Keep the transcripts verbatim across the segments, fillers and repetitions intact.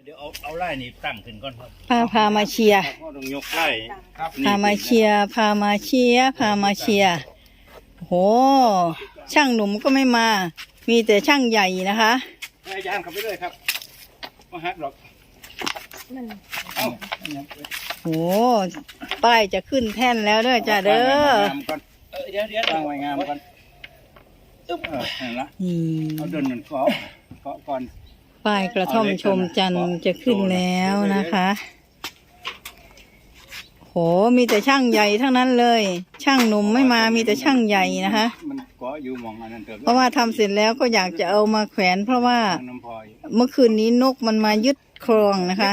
เดี๋ยวเอาเอาไล่นี่ตั้งขึ้นก่อนครับพาพามาเชียร์พ่อต้องยกไล่ครับพามาเชียร์พามาเชียร์พามาเชียร์โหช่างหนุ่มก็ไม่มา มีแต่ช่างใหญ่นะคะอาจารย์ขับไปเลยครับมาฮักหรอกเอ้าโหป้ายจะขึ้นแท่นแล้วเด้อจ้าเด้อเออเดี๋ยวเดี๋ยวตั้งไว้งามก่อนตึ๊บเออนั่นละนี่เอาเดินหนึ่งเกาะเกาะก่อนป้ายกระท่อมชมจันทร์จะขึ้นแล้วนะคะโหมีแต่ช่างใหญ่ทั้งนั้นเลย ช่างหนุ่มไม่มามีแต่ช่างใหญ่นะคะมันเกาะอยู่มองอันนั้นเถอะเพราะว่าทำเสร็จแล้วก็อยากจะเอามาแขวน เพราะว่าน้ำพอยเมื่อคืนนี้นกมันมายึดครองนะคะ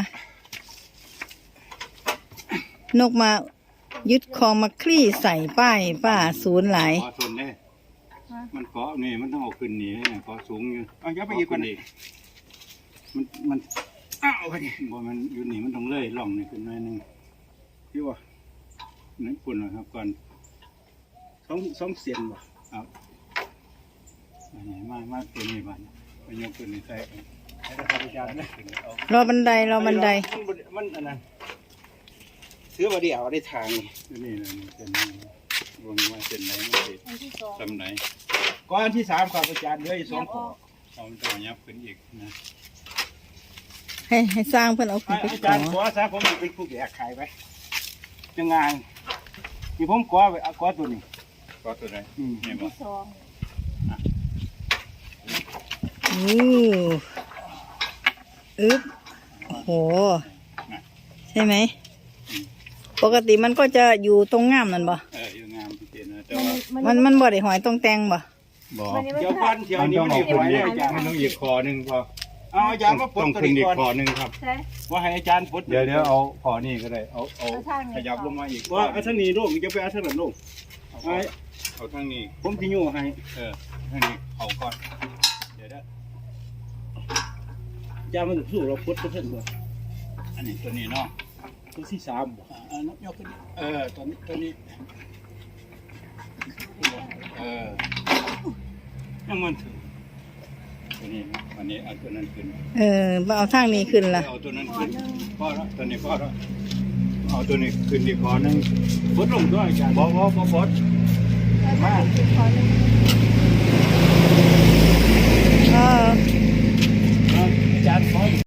นกมายึดครองมาคลี่ใส่ป้ายป้าศูนย์หลายเกาะส่วนนี้มันเกาะนี่มันต้องเอาขึ้นนี่เกาะสูงอยู่เอาอย่าไปอีกกว่านี้มันมันอ้าวไปนี่บ่มันอยู่นี่มันต้องเลื่อยล่องนี่ขึ้นหน่อยนึงพี่ว่านั่นปุ่นนะครับก่อนสองสองเสียนบ่ครับอันนี้มามาตัวนี้บ้านไปยกตัวนี้ใส่กันให้ราคาประหยัดนะเอารอบันไดรอบันไดมันบ่มันอันนั้นซื้อมาเดียวได้ทางนี่นี่นี่เป็นรวมว่าเป็นไหนมันเป็นทำไหนก้อนที่สามครับอาจารย์เหลืออีกสองขอเอามันต้องยับขึ้นอีกนะให้ให้สร้างเพื่อนเอาขึ้นไปอาก่จาอรย์ขอซะผมเป็นผู้แก่ขายไปจะงานที่ผมขอไปเอาขอตัวนี้ขอตัวไหนอืมนี่บ่อู้อึ๊บโหใช่ไหมปกติมันก็จะอยู่ตรงง่ามนั่นบ่เอออยู่งามพี่เจนนะแต่ว่ามันมันบ่ได้หอยตรงแตงบ่บ่เดี๋ยวก้อนเดี๋ยวนี้มันอีกหอยเลยอาจารย์มันต้องอีกคอหนึ่งพอเอาอาจารย์มาปลดต้องตัวขึ้นนี้อีกก่อนคอหนึ่งครับว่าให้อาจารย์ปลดเดี๋ยวเดี๋ยวเอาคอนี่ก็ได้ เอาเอาขยับลงมาอีกว่าเอาทางนี้ลูกจะไปเอาทางนั้นลูกเอาไอ้เอาทางนี้ผมที่อยู่ให้เออทางนี้เอาก่อน เดี๋ยวเด้ออาจารย์มันสู้เราปลดตัวเพิ่นบ่อันนี้ตัวนี้เนาะตัวที่สามบ่อ่านกยกขึ้นดิเออตัวนี้ตัวนี้ เออยังมันถือตัวนี้นะอันนี้เอาตัวนั้นขึ้นเออบ่เอาทางนี้ขึ้นล่ะเอาตัวนั้นขึ้นพอแล้วตัวนี้พอแล้วเอาตัวนี้ขึ้นอีกคอหนึ่งปลดลงด้วยอาจารย์บอบอบอบอสมาเอออาจารย์ขอ